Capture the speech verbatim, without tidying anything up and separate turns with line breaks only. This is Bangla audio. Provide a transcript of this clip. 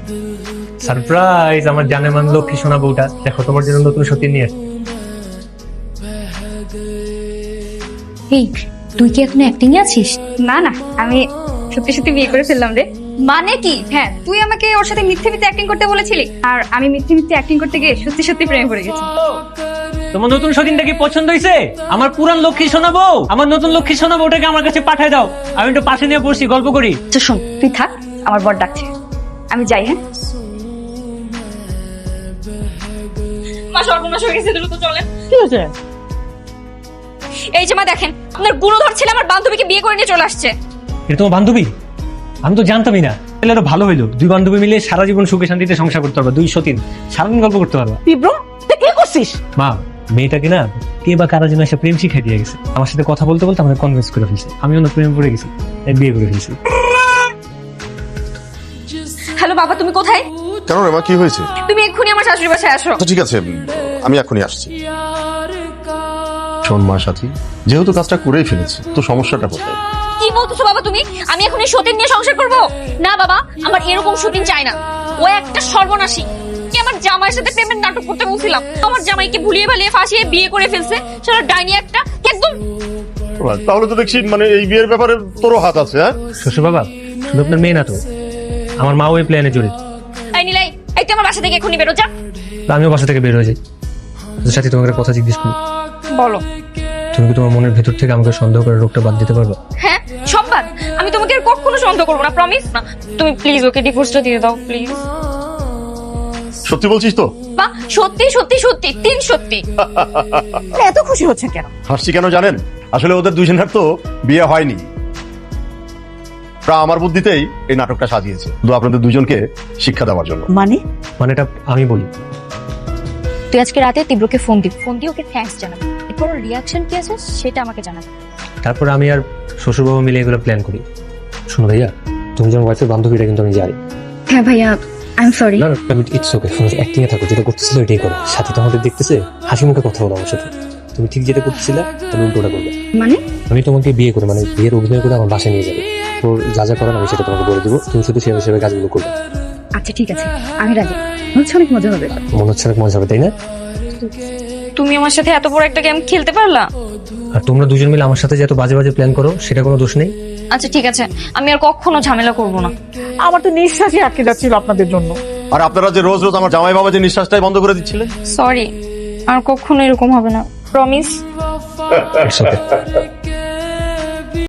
সারপ্রাইজ, আমার জানে মান লক্ষ্মী সোনা বউটা, দেখো তোমার জন্য নতুন সত্যি নিয়ে এসেছি।
এই তুই কি এখন অ্যাক্টিং এ আছিস? না না, আমি সত্যি সত্যি বিয়ে করে ফেললাম রে। মানে কি? হ্যাঁ, তুই আমাকে ওর সাথে মিথ্যে মিথ্যে অ্যাক্টিং করতে বলেছিলি, আর আমি মিথ্যে মিথ্যে অ্যাক্টিং করতে গিয়ে সত্যি সত্যি প্রেমে পড়ে গেছি।
তোমার নতুন সতীনটা কি পছন্দ হয়েছে? আমার পুরান লক্ষ্মী সোনা বউ, আমার নতুন লক্ষ্মী সোনা বউটাকে আমার কাছে পাঠিয়ে দাও, আমি একটু পাশে নিয়ে বসছি, গল্প করি।
আচ্ছা শোন, তুই থাক, আমার বর ডাকছে, আমি যাই। হ্যাঁ মা, সর্বনাশ হয়ে গেছে, দ্রুত চলেন।
কি হয়েছে?
এই যে মা দেখেন, আপনার গুণধর ছেলে আমার বান্ধবীকে বিয়ে করে নিয়ে চলে আসছে।
এটা তোমার বান্ধবী? আমি তো জানতামই না। তাহলে আরো ভালো হইলো, দুই বান্ধবী মিলে সারা জীবন সুখে শান্তিতে সংসার করতে পারবা, দুই সতীন সারাদিন গল্প করতে পারবা।
তীব্র, তুই কি করছিস?
মা, মেয়েটাকে না কে বা কারা যেন এসে প্রেম শিখাই দিয়ে গেছে, আমার সাথে কথা বলতে বলতে আমাকে কনভিন্স করে ফেলছে, আমি অন্য প্রেমে পড়ে গেছি, তাই বিয়ে করে ফেলছি।
হ্যালো বাবা, তুমি কোথায়?
কেন রে মা, কি হয়েছে?
তুমি এক্ষুনি আমার শাশুড়ি বাসায় আসো।
আচ্ছা ঠিক আছে, আমি এখনই আসছি। শোন মা সাথী, যেহেতু কাজটা করেই ফেলেছি, তো সমস্যাটা কোথায়?
কি বলতেছো বাবা তুমি? আমি এখন এই সতীন নিয়ে সংসার করব? না বাবা, আমার এরকম সতীন চাই না। ও একটা সর্বনাশী। কি আমার জামাইয়ের সাথে প্রেমের নাটক করতে বলছিলাম, আমার জামাইকে ভুলিয়ে ভালিয়ে ফাঁসিয়ে বিয়ে করে ফেলছে, সেটা ডাইনি একটা। একদম।
তাহলে তো দেখছি মানে এই বিয়ের ব্যাপারে তোরও হাত আছে। হ্যাঁ
শ্বশুর বাবা, শুধু আপনার মেয়ে না তো, আমার মাও এই প্ল্যানে জড়িত।
এই নিলাই, এই তো আমার বাসা থেকে এক্ষুনি বেরো, যা।
আমিও বাসা থেকে বের হয়ে যাই। সাথে তোমাকে একটা কথা জিজ্ঞেস করি,
বলো।
তুমি কি তোমার মনের ভেতর থেকে আমাকে সন্দেহ করে রোগটা বাদ দিতে পারবে?
হ্যাঁ, সব বাদ। আমি তোমাকে আর কখনো সন্দেহ করবো না, প্রমিস। না, তুমি প্লিজ ওকে ডিভোর্সটা দিয়ে দাও প্লিজ।
সত্যি বলছিস তো?
বা সত্যি সত্যি সত্যি, তিন সত্যি।
এত খুশি হচ্ছেন কেন?
হাসছি কেন জানেন? আসলে ওদের দুজনের তো বিয়ে হয়নি, আমার বুদ্ধিতেই এই নাটকটা সাজিয়েছে, শুধু আপনাদের দুজনকে শিক্ষা দেওয়ার জন্য।
মানে?
মানে এটা আমি বলি।
তুই আজকে রাতে তীব্রকে ফোন দিবি, ফোন দিয়ে ওকে থ্যাঙ্কস জানাবি, এরপর ওর রিয়াকশন কি আছে সেটা আমাকে জানাবি।
তারপর আমি আর শ্বশুরবাবু মিলে এগুলো প্ল্যান করি। শোনো ভাইয়া, তুমি যেমন ওয়াইফের বান্ধবীটা কিন্তু আমি জানি।
হ্যাঁ ভাইয়া, আই এম সরি।
না না, ইটস ওকে। অ্যাক্টিং এ থাকো, যেটা করতেছিল এটাই করো। সাথে তো আমাদের দেখতেছে, হাসি মুখে কথা বলো আমার সাথে। তুমি ঠিক যেটা করতেছিলে তুমি উল্টোটা করবে।
মানে?
আমি তোমাকে বিয়ে করে, মানে বিয়ের অভিনয় করে আমার বাসায় নিয়ে যাবে, তো যা যা করার আমি সেটা তোমাকে বলে দেবো, তুমি শুধু সেভাবে সেভাবে কাজগুলো করবে।
আচ্ছা ঠিক আছে, আমি রাজি। মনে হচ্ছে অনেক মজা হবে।
মনে হচ্ছে অনেক মজা হবে, তাই না?
তুমি আমার সাথে এত বড় একটা গেম খেলতে পারলা।
আর তোমরা দুজন মিলে আমার সাথে যে এত বাজে বাজে প্ল্যান করো, সেটা কোনো দোষ নেই।
আচ্ছা ঠিক আছে, আমি আর কখনো ঝামেলা করব না।
আমার তো নিঃশ্বাসই আটকে যাচ্ছিল আপনাদের জন্য।
আর আপনারা যে রোজ রোজ আমার জামাই বাবা যে নিঃশ্বাসটাই বন্ধ করে দিচ্ছিলেন।
সরি, আর কখনো এরকম হবে না, প্রমিস।
It's okay.